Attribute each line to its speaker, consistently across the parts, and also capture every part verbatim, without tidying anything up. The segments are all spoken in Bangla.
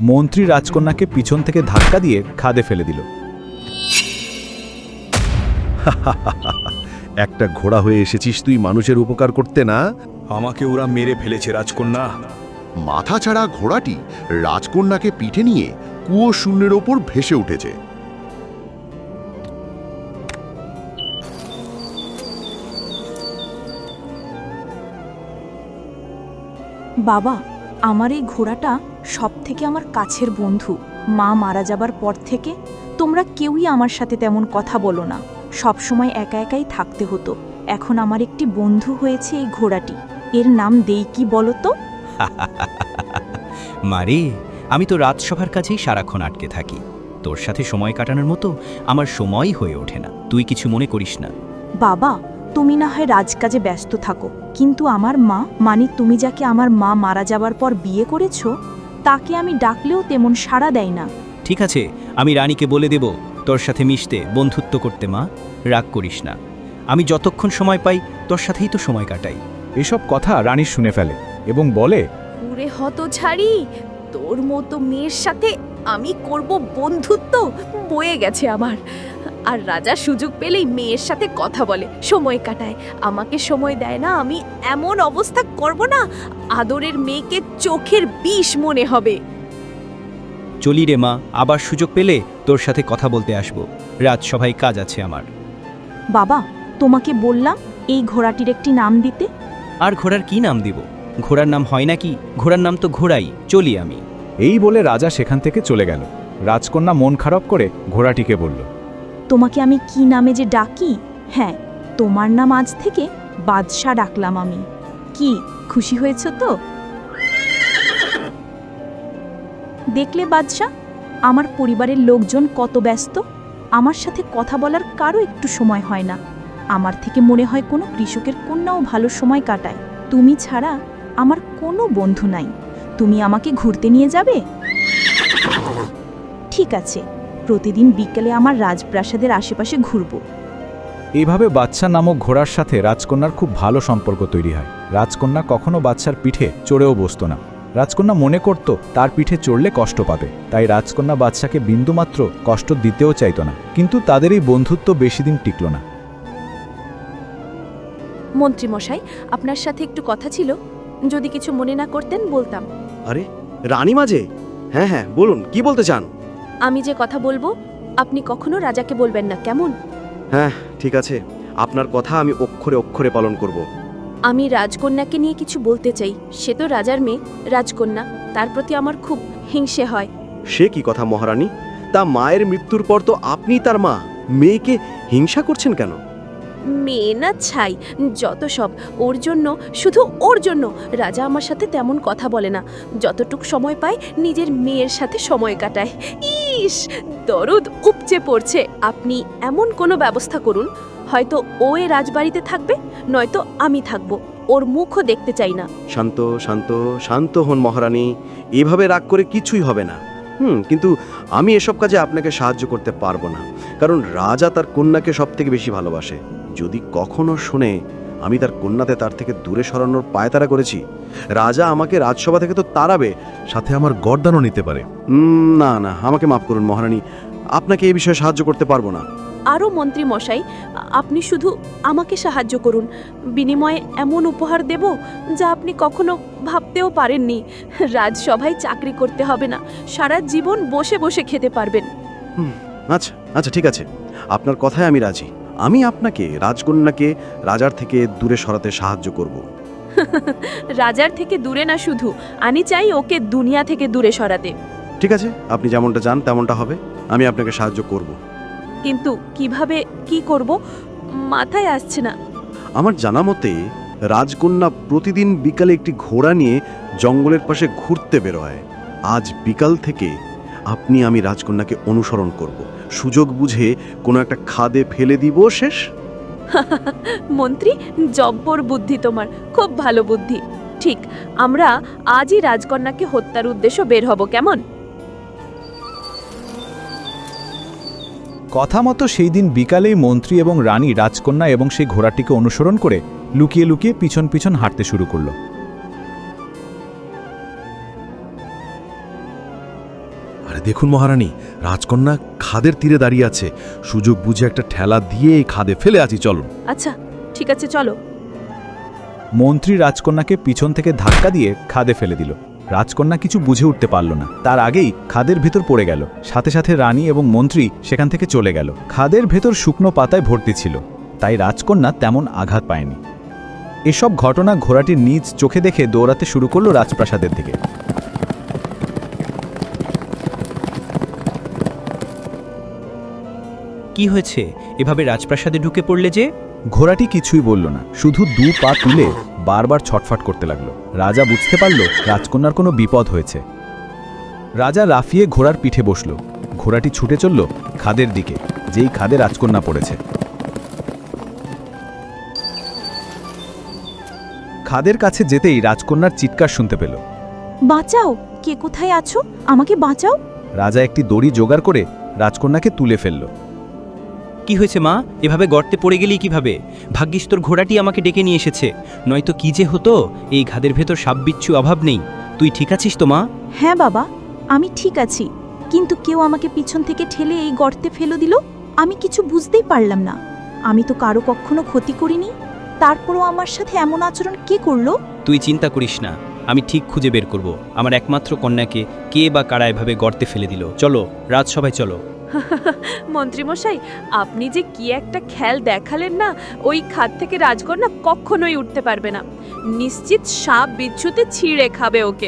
Speaker 1: মন্ত্রী রাজকন্যাকে পিছন থেকে ধাক্কা দিয়ে খাদে ফেলে দিল।
Speaker 2: একটা ঘোড়া হয়ে এসেছিস তুই মানুষের উপকার করতে না?
Speaker 3: আমাকে ওরা মেরে ফেলেছে রাজকন্যা।
Speaker 2: মাথা ছাড়া ঘোড়াটি রাজকন্যাকে পিঠে নিয়ে কুয়ো শূন্যের ওপর ভেসে উঠেছে।
Speaker 4: বাবা, আমার এই ঘোড়াটা সব থেকে আমার কাছের বন্ধু। মা মারা যাবার পর থেকে তোমরা কেউই আমার সাথে তেমন কথা বলো না, সব সময় একা একাই থাকতে হতো। এখন আমার একটি বন্ধু হয়েছে এই ঘোড়াটি। এর নাম দেই কি বলো তো?
Speaker 5: মারে, আমি তো রাজসভার কাছেই সারাক্ষণ আটকে থাকি। তোর সাথে সময় কাটানোর মতো আমার সময়ই হয়ে ওঠে না। তুই কিছু মনে করিস না।
Speaker 4: বাবা, তুমি না হয় রাজকাজে ব্যস্ত থাকো, কিন্তু আমার মা, মানে তুমি যাকে আমার মা মারা যাবার পর বিয়ে করেছো, তাকে আমি ডাকলেও তেমন সাড়া দেয় না।
Speaker 5: ঠিক আছে, আমি রানীকে বলে দেব তোর সাথে মিশতে, বন্ধুত্ব করতে। মা, রাগ করিস না। আমি যতক্ষণ সময় পাই তোর সাথেই তো সময় কাটাই।
Speaker 1: এসব কথা রানী শুনে ফেলে এবং বলে,
Speaker 6: পুরে হতছাড়ি, তোর মতো মেয়ের সাথে আমি করব বন্ধুত্ব? বয়ে গেছে আমার। আর রাজা সুযোগ পেলেই মেয়ের সাথে কথা বলে, সময় কাটায়, আমাকে সময় দেয় না। আমি এমন অবস্থা করব না, আদরের মেয়েকে চোখের বিষ মনে হবে।
Speaker 5: চলি রে মা, আবার সুযোগ পেলে তোর সাথে কথা বলতে আসবো। রাজসভায় কাজ আছে আমার।
Speaker 4: বাবা, তোমাকে বললাম এই ঘোড়াটির একটি নাম দিতে।
Speaker 5: আর ঘোড়ার কি নাম দিব? ঘোড়ার নাম হয় নাকি? ঘোড়ার নাম তো ঘোড়াই। চলি আমি।
Speaker 1: এই বলে রাজা সেখান থেকে চলে গেল। রাজকন্যা মন খারাপ করে ঘোড়াটিকে বলল,
Speaker 4: তোমাকে আমি কি নামে যে ডাকি? হ্যাঁ, তোমার নাম আজ থেকে বাদশাহ ডাকলাম আমি। কি খুশি হয়েছ তো? দেখলে বাদশাহ, আমার পরিবারের লোকজন কত ব্যস্ত। আমার সাথে কথা বলার কারো একটু সময় হয় না। আমার থেকে মনে হয় কোনো কৃষকের কন্যাও ভালো সময় কাটায়। তুমি ছাড়া আমার কোনো বন্ধু নাই। তুমি আমাকে ঘুরতে নিয়ে যাবে? ঠিক আছে, প্রতিদিন বিকেলে আমার রাজপ্রাসাদের আশেপাশে ঘুরব।
Speaker 1: এইভাবে বাদশা নামক ঘোড়ার সাথে রাজকন্যার খুব ভালো সম্পর্ক তৈরি হয়। রাজকন্যা কখনো বাদশার পিঠে চড়েও বসত না। রাজকন্যা মনে করত তার পিঠে চড়লে কষ্ট পাবে, তাই রাজকন্যা বাদশাকে বিন্দুমাত্র কষ্ট দিতেও চাইত না। কিন্তু তাদের এই বন্ধুত্ব বেশি দিন টিকল না।
Speaker 6: মন্ত্রী মশাই, আপনার সাথে একটু কথা ছিল, যদি কিছু মনে না করতেন বলতাম।
Speaker 7: আরে রানী মাঝে? হ্যাঁ হ্যাঁ বলুন, কি বলতে চান?
Speaker 6: আমি যে কথা বলবো আপনি কখনো রাজাকে বলবেন না, কেমন?
Speaker 7: হ্যাঁ ঠিক আছে, আপনার কথা আমি অক্ষরে অক্ষরে পালন করব।
Speaker 6: আমি রাজকন্যাকে নিয়ে কিছু বলতে চাই। সে তো রাজার মেয়ে, রাজকন্যা, তার প্রতি আমার খুব হিংসে হয়।
Speaker 7: সে কি কথা মহারানী? তা মায়ের মৃত্যুর পর তো আপনি তার মা, মেয়েকে হিংসা করছেন কেন?
Speaker 6: মেয়ে না ছাই, যত সব ওর জন্য, শুধু ওর জন্য। রাজা আমার সাথে তেমন কথা বলে না, যতটুক সময় পায় নিজের মেয়ের সাথে সময় কাটায়। ইস, দরদ উপচে পড়ছে। আপনি এমন কোনো ব্যবস্থা করুন, হয়তো ও এ রাজবাড়িতে থাকবে, নয়তো আমি থাকবো। ওর মুখও দেখতে চাই না।
Speaker 7: শান্ত শান্ত শান্ত হন মহারানী, এভাবে রাগ করে কিছুই হবে না। হুম কিন্তু আমি এসব কাজে আপনাকে সাহায্য করতে পারবো না, কারণ রাজা তার কন্যাকে সব থেকে বেশি ভালোবাসে। যদি কখনো শুনে আমি তার কন্যাতে তার থেকে দূরে সরানোর পায়তারা করেছি, রাজা আমাকে রাজসভা থেকে তো তাড়াবে,
Speaker 2: সাথে আমার গর্দানও নিতে পারে।
Speaker 7: উম, না না, আমাকে মাফ করুন মহারানী, আপনাকে এই বিষয়ে সাহায্য করতে পারবো না।
Speaker 6: আরও মন্ত্রী মশাই, আপনি শুধু আমাকে সাহায্য করুন। বিনিময়ে এমন উপহার দেব যা আপনি কখনো ভাবতেও পারেননি। রাজসভায় চাকরি করতে হবে না, সারা জীবন বসে বসে খেতে পারবেন।
Speaker 7: হুম, আচ্ছা আচ্ছা ঠিক আছে, আপনার কথায় আমি রাজি। আমি আপনাকে রাজকন্যাকে রাজার থেকে দূরে সরাতে সাহায্য করব।
Speaker 6: রাজার থেকে দূরে না, শুধু আমি চাই ওকে দুনিয়া থেকে দূরে সরাতে।
Speaker 7: ঠিক আছে, আপনি যেমনটা চান তেমনটা হবে, আমি আপনাকে সাহায্য করব।
Speaker 6: কিন্তু কিভাবে কি করব মাথায় আসছে না।
Speaker 7: আমার জানা মতে রাজকন্যা প্রতিদিন বিকালে একটি ঘোড়া নিয়ে জঙ্গলের পাশে ঘুরতে বেরোয়। আজ বিকাল থেকে আপনি আমি রাজকন্যাকে অনুসরণ করব, সুযোগ বুঝে কোনো একটা খাদে ফেলে দিব, শেষ।
Speaker 6: মন্ত্রী, জব্বর বুদ্ধি তোমার, খুব ভালো বুদ্ধি। ঠিক, আমরা আজই রাজকন্যাকে হত্যার উদ্দেশ্য বের হব, কেমন?
Speaker 1: কথা মতো সেই দিন বিকালেই মন্ত্রী এবং রানী রাজকন্যা এবং সেই ঘোড়াটিকে অনুসরণ করে লুকিয়ে লুকিয়ে পিছন পিছন হাঁটতে শুরু করল।
Speaker 8: আরে দেখুন মহারানী, রাজকন্যা খাদের তীরে দাঁড়িয়ে আছে। সুযোগ বুঝে একটা ঠেলা দিয়ে এই খাদে ফেলে আছি, চলুন।
Speaker 6: আচ্ছা ঠিক আছে চলো।
Speaker 1: মন্ত্রী রাজকন্যাকে পিছন থেকে ধাক্কা দিয়ে খাদে ফেলে দিল। রাজকন্যা কিছু বুঝে উঠতে পারল না, তার আগেই খাদের ভেতর পড়ে গেল। সাথে সাথে রানী এবং মন্ত্রী সেখান থেকে চলে গেল। খাদের ভেতর শুকনো পাতায় ভর্তি ছিল, তাই রাজকন্যা তেমন আঘাত পায়নি। এসব ঘটনা ঘোড়াটির নিজ চোখে দেখে দৌড়াতে শুরু করলো রাজপ্রাসাদের দিকে।
Speaker 5: কি হয়েছে, এভাবে রাজপ্রাসাদে ঢুকে পড়লে যে?
Speaker 1: ঘোড়াটি কিছুই বলল না, শুধু দু পা তুলে বারবার ছটফট করতে লাগলো। রাজা বুঝতে পারল রাজকন্যার কোনো বিপদ হয়েছে। রাজা লাফিয়ে ঘোড়ার পিঠে বসল। ঘোড়াটি ছুটে চলল খাদের দিকে, যেই খাদে রাজকন্যা পড়েছে। খাদের কাছে যেতেই রাজকন্যার চিৎকার শুনতে পেল।
Speaker 4: বাঁচাও, কে কোথায় আছো? আমাকে বাঁচাও।
Speaker 1: রাজা একটি দড়ি জোগাড় করে রাজকন্যাকে তুলে ফেলল।
Speaker 5: কি হয়েছে মা, এভাবে গর্তে পড়ে গেলি কিভাবে? ভাগ্যিস তোর ঘোড়াটি আমাকে ডেকে নিয়ে এসেছে, নয়তো কি যে হতো। এই ঘাদের ভেতর সাপ বিচ্ছু অভাব নেই। তুই ঠিক আছিস তো মা?
Speaker 4: হ্যাঁ বাবা, আমি ঠিক আছি, কিন্তু কেউ আমাকে পিছন থেকে ঠেলে এই গর্তে ফেলে দিল। আমি কিছু বুঝতেই পারলাম না। আমি তো কারো কখনো ক্ষতি করিনি, তারপরও আমার সাথে এমন আচরণ কে করলো?
Speaker 5: তুই চিন্তা করিস না, আমি ঠিক খুঁজে বের করব আমার একমাত্র কন্যাকে কে বা কারা এভাবে গর্তে ফেলে দিল। চলো রাজসভায় চলো।
Speaker 6: মন্ত্রীমশাই, আপনি যে কি একটা খেল দেখালেন না, ওই খাদ থেকে রাজকন্যা কখনোই উঠতে পারবে না। নিশ্চিত সাপ বিচ্ছুতে ছিঁড়ে খাবে ওকে।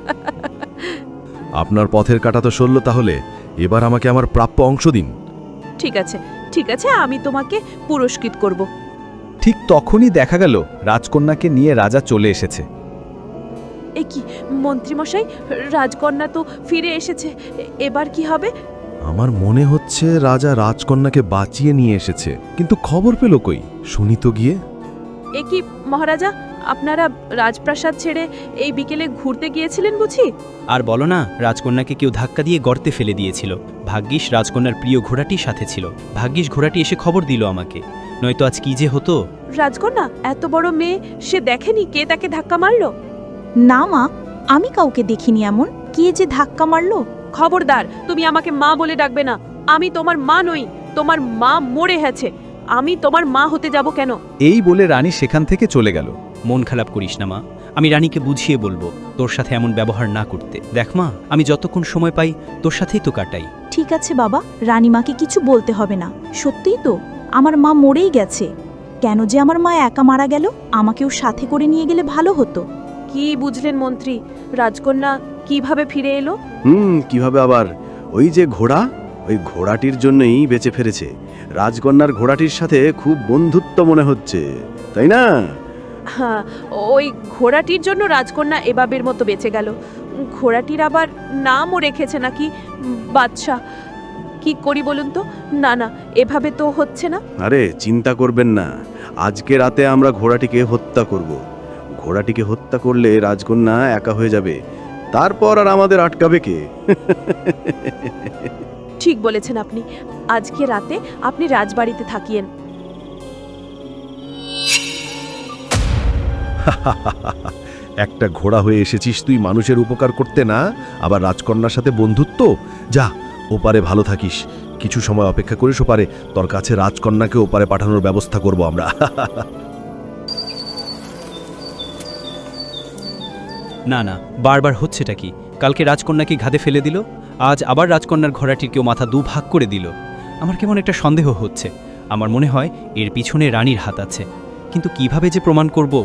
Speaker 8: আপনার পথের কাটা তো সরল, তাহলে এবার আমাকে আমার প্রাপ্য অংশ দিন।
Speaker 6: ঠিক আছে ঠিক আছে, আমি তোমাকে পুরস্কৃত করব।
Speaker 1: ঠিক তখনই দেখা গেল রাজকন্যাকে নিয়ে রাজা চলে এসেছে।
Speaker 6: এ কি মন্ত্রীমশাই, রাজকন্যা তো ফিরে এসেছে, এ- এবার কি হবে?
Speaker 8: আমার মনে হচ্ছে রাজা রাজকন্যাকে বাঁচিয়ে নিয়ে এসেছে, কিন্তু খবর পেল কই? শুনি তো গিয়ে।
Speaker 6: এ কি মহারাজা, আপনারা রাজপ্রাসাদ ছেড়ে এই বিকেলে ঘুরতে গিয়েছিলেন বুঝি?
Speaker 5: আর বলো না, রাজকন্যাকে কেউ ধাক্কা দিয়ে গর্তে ফেলে দিয়েছিল। ভাগ্যিস রাজকন্যার প্রিয় ঘোড়াটি সাথে ছিল। ভাগ্যিস ঘোড়াটি এসে খবর দিল আমাকে, নয়তো আজ কি যে হতো।
Speaker 6: রাজকন্যা এত বড় মেয়ে, সে দেখেনি কে তাকে ধাক্কা মারলো?
Speaker 4: না মা, আমি কাউকে দেখিনি এমন। কে যে ধাক্কা মারলো?
Speaker 6: খবরদার, তুমি আমাকে মা বলে ডাকবে না। আমি তোমার মা নই, তোমার মা মরে গেছে। আমি তোমার মা হতে যাব কেন?
Speaker 1: এই বলে রানী সেখান থেকে চলে গেল।
Speaker 5: মন খারাপ করিস না মা, আমি রানীকে বুঝিয়ে বলবো তোর সাথে এমন ব্যবহার না করতে। দেখ মা, আমি যতক্ষণ সময় পাই তোর সাথেই তো কাটাই।
Speaker 4: ঠিক আছে বাবা, রানীমাকে কিছু বলতে হবে না। সত্যিই তো আমার মা মরেই গেছে। কেন যে আমার মা একা মারা গেল? আমাকেও সাথে করে নিয়ে গেলে ভালো হতো।
Speaker 6: কি বুঝলেন মন্ত্রী, রাজকন্যা কিভাবে ফিরে এলো?
Speaker 7: হুম কিভাবে আবার? ওই যে ঘোড়া, ওই ঘোড়াটির জন্যই বেঁচে ফিরেছে। রাজকন্যার ঘোড়াটির সাথে খুব বন্ধুত্ব মনে হচ্ছে, তাই না?
Speaker 6: হ্যাঁ, ওই ঘোড়াটির জন্য রাজকন্যা এবাবের মতো বেঁচে গেল। ঘোড়াটির আবার নামও রেখেছে নাকি, বাদশা। কি করি বলুন তো? না না, এভাবে তো হচ্ছে না।
Speaker 7: আরে চিন্তা করবেন না, আজকে রাতে আমরা ঘোড়াটিকে হত্যা করব। ঘোড়াটিকে হত্যা করলে রাজকন্যা একা হয়ে যাবে, তারপর আর আমাদের আটকাবে কে?
Speaker 6: ঠিক বলেছেন আপনি। আজকে রাতে আপনি রাজবাড়িতে থাকিয়েন।
Speaker 8: একটা ঘোড়া হয়ে এসেছিস তুই মানুষের উপকার করতে, না আবার রাজকন্যার সাথে বন্ধুত্ব। যা, ওপারে ভালো থাকিস, কিছু সময় অপেক্ষা করিস, ওপারে তোর কাছে রাজকন্যাকে ওপারে পাঠানোর ব্যবস্থা করব আমরা।
Speaker 5: না না, বারবার হচ্ছেটা কি? কালকে রাজকন্যাকে ঘাদে ফেলে দিল, আজ আবার রাজকন্যার ঘোড়াটির কেউ মাথা দু ভাগ করে দিল। আমার কেমন একটা সন্দেহ হচ্ছে। আমার মনে হয় এর পিছনে রানীর হাত আছে, কিন্তু কিভাবে যে প্রমাণ করব?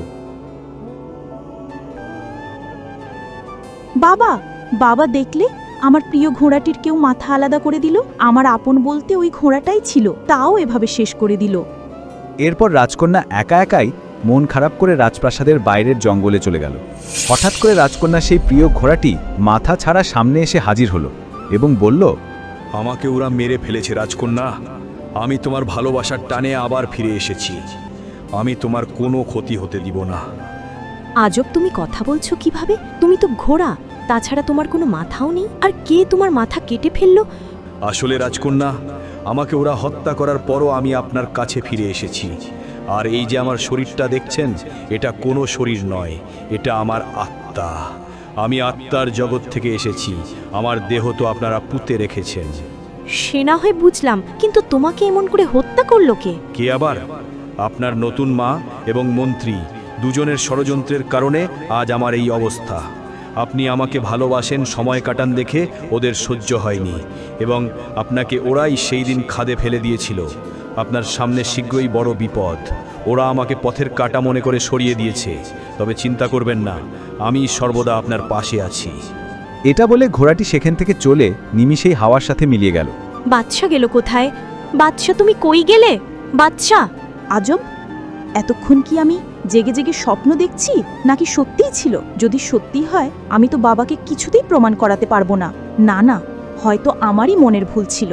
Speaker 4: বাবা, বাবা দেখলে আমার প্রিয় ঘোড়াটির কেউ মাথা আলাদা করে দিল। আমার আপন বলতে ওই ঘোড়াটাই ছিল, তাও এভাবে শেষ করে দিল।
Speaker 1: এরপর রাজকন্যা একা একাই মন খারাপ করে রাজপ্রাসাদের বাইরের জঙ্গলে চলে গেল। হঠাৎ করে রাজকন্যা সেই প্রিয় ঘোড়াটি মাথা ছাড়া সামনে এসে হাজির হলো এবং বলল,
Speaker 3: আমাকে ওরা মেরে ফেলেছে রাজকন্যা। আমি তোমার ভালোবাসার টানে আবার ফিরে এসেছি। আমি তোমার কোনো ক্ষতি হতে দিব না।
Speaker 9: আজব, তুমি কথা বলছো কিভাবে? তুমি তো ঘোড়া, তাছাড়া তোমার কোনো মাথাও নেই। আর কে তোমার মাথা কেটে ফেললো?
Speaker 3: আসলে রাজকন্যা, আমাকে ওরা হত্যা করার পরও আমি আপনার কাছে ফিরে এসেছি। আর এই যে আমার শরীরটা দেখছেন, এটা কোনো শরীর নয়, এটা আমার আত্মা। আমি আত্মার জগৎ থেকে এসেছি, আমার দেহ তো আপনারা পুঁতে রেখেছেন।
Speaker 9: সে না হয় বুঝলাম, কিন্তু তোমাকে এমন করে হত্যা করলো কে?
Speaker 3: কে আবার? আপনার নতুন মা এবং মন্ত্রী দুজনের ষড়যন্ত্রের কারণে আজ আমার এই অবস্থা। আপনি আমাকে ভালোবাসেন, সময় কাটান দেখে ওদের সহ্য হয়নি এবং আপনাকে ওরাই সেই দিন খাদে ফেলে দিয়েছিল। আপনার সামনে শীঘ্রই বড় বিপদ। ওরা আমাকে পথের কাটা মনে করে সরিয়ে দিয়েছে, তবে চিন্তা করবেন না, আমি সর্বদা আপনার পাশে আছি।
Speaker 1: এটা বলে ঘোড়াটি সেখান থেকে চলে নিমিষেই হাওয়ার সাথে মিলিয়ে গেল।
Speaker 9: বাদশা গেল কোথায়? বাদশা, তুমি কই গেলে? বাদশা!
Speaker 4: আজব, এতক্ষণ কি আমি জেগে জেগে স্বপ্ন দেখছি নাকি সত্যিই ছিল? যদি সত্যি হয় আমি তো বাবাকে কিছুতেই প্রমাণ করাতে পারবো না। না না, হয়তো আমারই মনের ভুল ছিল।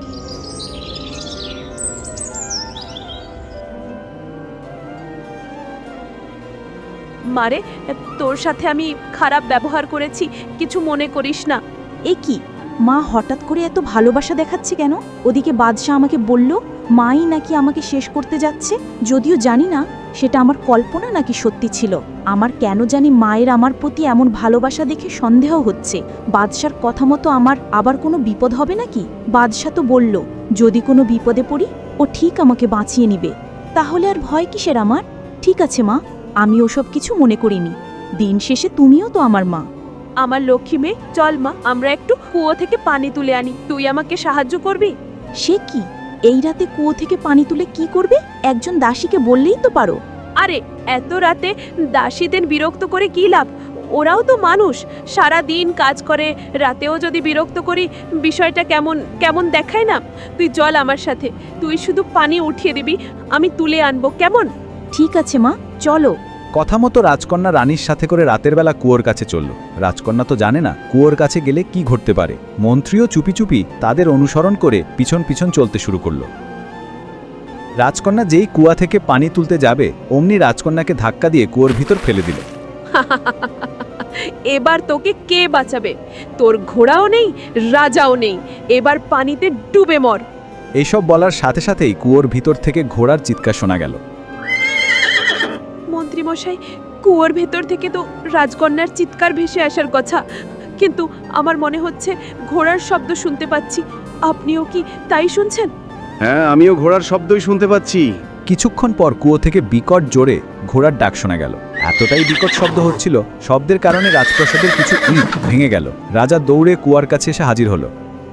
Speaker 6: মারে, তোর সাথে আমি খারাপ ব্যবহার করেছি, কিছু মনে করিস না।
Speaker 4: এ কি, মা হঠাৎ করে এত ভালোবাসা দেখাচ্ছে কেন? ওদিকে বাদশাহ আমাকে বলল মাই নাকি আমাকে শেষ করতে যাচ্ছে। যদিও জানি না সেটা আমার কল্পনা নাকি সত্যি ছিল। আমার কেন জানি মায়ের আমার প্রতি এমন ভালোবাসা দেখে সন্দেহ হচ্ছে। বাদশার কথা মতো আমার আবার কোনো বিপদ হবে নাকি? বাদশাহ তো বলল যদি কোনো বিপদে পড়ি ও ঠিক আমাকে বাঁচিয়ে নিবে, তাহলে আর ভয় কিসের আমার? ঠিক আছে মা, আমি ওসব কিছু মনে করিনি। দিন শেষে তুমিও তো আমার মা।
Speaker 6: আমার লক্ষ্মী মেয়ে, চল মা, আমরা একটু কুয়ো থেকে পানি তুলে আনি। তুই আমাকে সাহায্য করবি?
Speaker 4: সে কি, এই রাতে কুয়ো থেকে পানি তুলে কি করবে? একজন দাসীকে বললেই তো পারো।
Speaker 6: আরে, এত রাতে দাসীদের বিরক্ত করে কি লাভ? ওরাও তো মানুষ, সারা দিন কাজ করে, রাতেও যদি বিরক্ত করি বিষয়টা কেমন কেমন দেখায় না? তুই চল আমার সাথে, তুই শুধু পানি উঠিয়ে দিবি, আমি তুলে আনবো, কেমন?
Speaker 4: ঠিক আছে মা, চলো।
Speaker 1: কথা মতো রাজকন্যা রানীর সাথে করে রাতের বেলা কুয়োর কাছে চলল। রাজকন্যা তো জানে না কুয়োর কাছে গেলে কি ঘটতে পারে। মন্ত্রীও চুপি চুপি তাদের অনুসরণ করে পিছন পিছন চলতে শুরু করলো। রাজকন্যা যেই কুয়া থেকে পানি তুলতে যাবে অমনি রাজকন্যাকে ধাক্কা দিয়ে কুয়োর ভিতর ফেলে দিল।
Speaker 6: এবার তোকে কে বাঁচাবে? তোর ঘোড়াও নেই, রাজাও নেই, এবার পানিতে ডুবে মর।
Speaker 1: এইসব বলার সাথে সাথেই কুয়োর ভিতর থেকে ঘোড়ার চিৎকার শোনা গেল।
Speaker 6: মন্ত্রীমশাই, কুয়োর ভেতর থেকে তো রাজকন্যার চিৎকার ভেসে আসার কথা, কিন্তু আমার মনে হচ্ছে ঘোড়ার শব্দ শুনতে পাচ্ছি। আপনিও কি তাই শুনছেন?
Speaker 7: হ্যাঁ, আমিও ঘোড়ার শব্দই শুনতে পাচ্ছি।
Speaker 1: কিছুক্ষণ পর কুয়ো থেকে বিকট জোরে ঘোড়ার ডাক শোনা গেল। এতটাই বিকট শব্দ হচ্ছিল, শব্দের কারণে রাজপ্রাসাদের কিছু ইট ভেঙে গেল। রাজা দৌড়ে কুয়ার কাছে এসে হাজির হলো।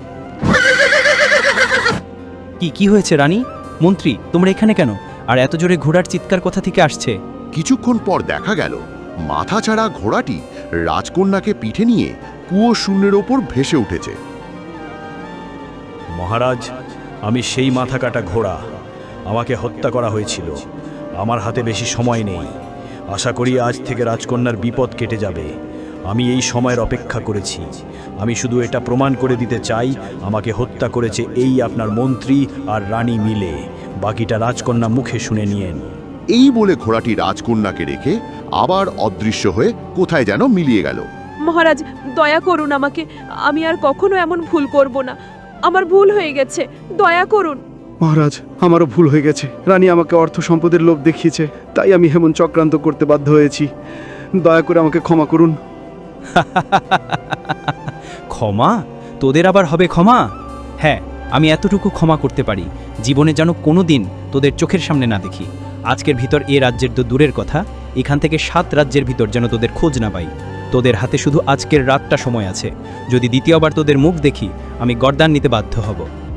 Speaker 5: কি কি হয়েছে রানী? মন্ত্রী, তোমরা এখানে কেন? আর এত জোরে ঘোড়ার চিৎকার কোথা থেকে আসছে?
Speaker 2: কিছুক্ষণ পর দেখা গেল মাথা ছাড়া ঘোড়াটি রাজকন্যাকে পিঠে নিয়ে কুয়ো শূন্যের ওপর ভেসে উঠেছে।
Speaker 3: মহারাজ, আমি সেই মাথা কাটা ঘোড়া। আমাকে হত্যা করা হয়েছিল। আমার হাতে বেশি সময় নেই। আশা করি আজ থেকে রাজকন্যার বিপদ কেটে যাবে। আমি এই সময়ের অপেক্ষা করেছি। আমি শুধু এটা প্রমাণ করে দিতে চাই আমাকে হত্যা করেছে এই আপনার মন্ত্রী আর রানী মিলে। বাকিটা রাজকন্যা মুখে শুনে নিয়েন।
Speaker 2: এই বলে ঘোড়াটি রাজকন্যাকে রেখে আবার অদৃশ্য হয়ে কোথায় যেন মিলিয়ে গেল।
Speaker 6: মহারাজ, দয়া করুন আমাকে, আমি আর কখনো এমন ভুল করব না। আমার ভুল হয়ে গেছে, দয়া করুন।
Speaker 7: মহারাজ, আমারও ভুল হয়ে গেছে। রানী আমাকে অর্থ সম্পদের লোভ দেখিয়েছে, তাই আমি এমন চক্রান্ত করতে বাধ্য হয়েছি। দয়া করে আমাকে ক্ষমা করুন।
Speaker 5: ক্ষমা? তোদের আবার হবে ক্ষমা? হ্যাঁ, আমি এতটুকু ক্ষমা করতে পারি, জীবনে যেন কোনো দিন তোদের চোখের সামনে না দেখি। আজকের ভিতর এ রাজ্যের তো দূরের কথা, এখান থেকে সাত রাজ্যের ভিতর যেন তোদের খোঁজ না পাই। তোদের হাতে শুধু আজকের রাতটা সময় আছে। যদি দ্বিতীয়বার তোদের মুখ দেখি আমি গর্দান নিতে বাধ্য হব।